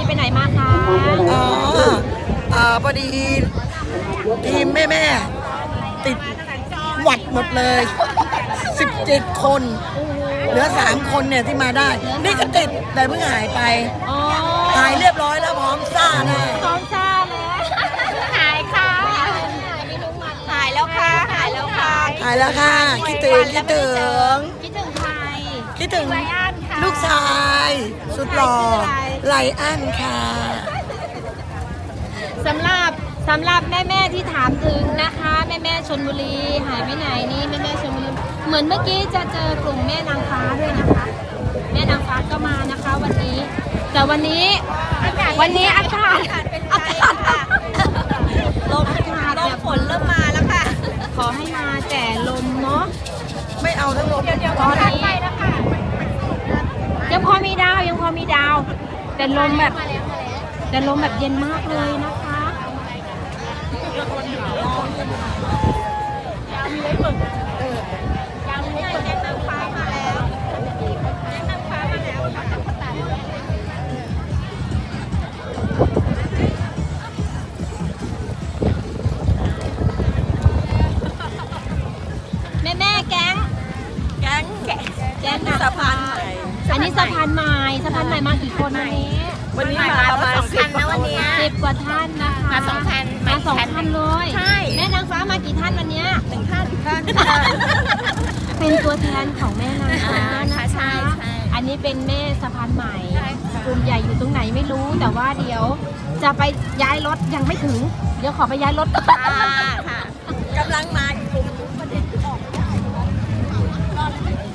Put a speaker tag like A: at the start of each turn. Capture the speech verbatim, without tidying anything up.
A: ไปไหนมาคะ
B: อ๋ออ่าพอดีทีมแม่แม่ติดหวัดหมดเลยสิบเจ็ดคนเหลือสามคนเนี่ยที่มาได้นี่ก็ติดแต่เพิ่งหายไป
A: อ๋อ
B: หายเรียบร้อยแล้วพร้อมซ่าแน่
A: ท้องซ่าแล้วหายค่ะหายแล้วค่ะหายแล้วค่ะ
B: หายแล้วค่ะคิดถึงคิดถึง
A: คิดถึงใคร
B: คิดถึง
A: ไลอ้อนค่ะ
B: ลูกชายสุดหล่อไลอ้อนค่ะ
A: สำหรับสำหรับแม่แม่ๆที่ถามถึงนะคะแม่แม่ๆชลบุรีหายไปไหนนี่แม่แม่ๆชลบุรีเหมือนเมื่อกี้จะเจอกลุ่มแม่นางฟ้าด้วยนะคะ แม่นางฟ้าก็มานะคะวันนี้ แต่วันนี้วันนี้อากาศอากาศลมอากาศลมฝนเริ่มมาแล้วค่ะ ขอให้มาแต่ลมเนาะ
B: ไม่เอาทั้งลม
A: ตอนนี้ยังพอมีดาวยังพอมีดาว แต่ลมแบบแต่ลมแบบเย็นมากเลยนะคะแม่แม่แก๊ง
B: แก๊งแก
A: แก๊งสะพานใหม่ อันนี้สะพานใหม่สะพานใหม่มากี่คนวันนี้
B: วันนี้มาประมาณสิบนะวันนี้
A: สิบกว่าท่านนะคะ
C: มาสองพัน
A: มาสองท่านเลย
C: ใช่
A: แม่นางฟ้ามากี่ท่านวันเนี้ย
C: หนึ่งท่านท่าน
A: เป็นตัวแทนของแม่นางฟ้า
C: อ่า
A: นะ
C: ค่ะใช่
A: คะ
C: ใช่
A: อันนี้เป็นแม่สะพานใหม่กลุ่มใหญ่อยู่ตรงไหนไม่รู้ แต่ว่าเดี๋ยวจะไปย้ายรถยังไม่ถึง เดี๋ยวขอไปย้ายรถก่อน
C: ค่ะค่ะกำลังมา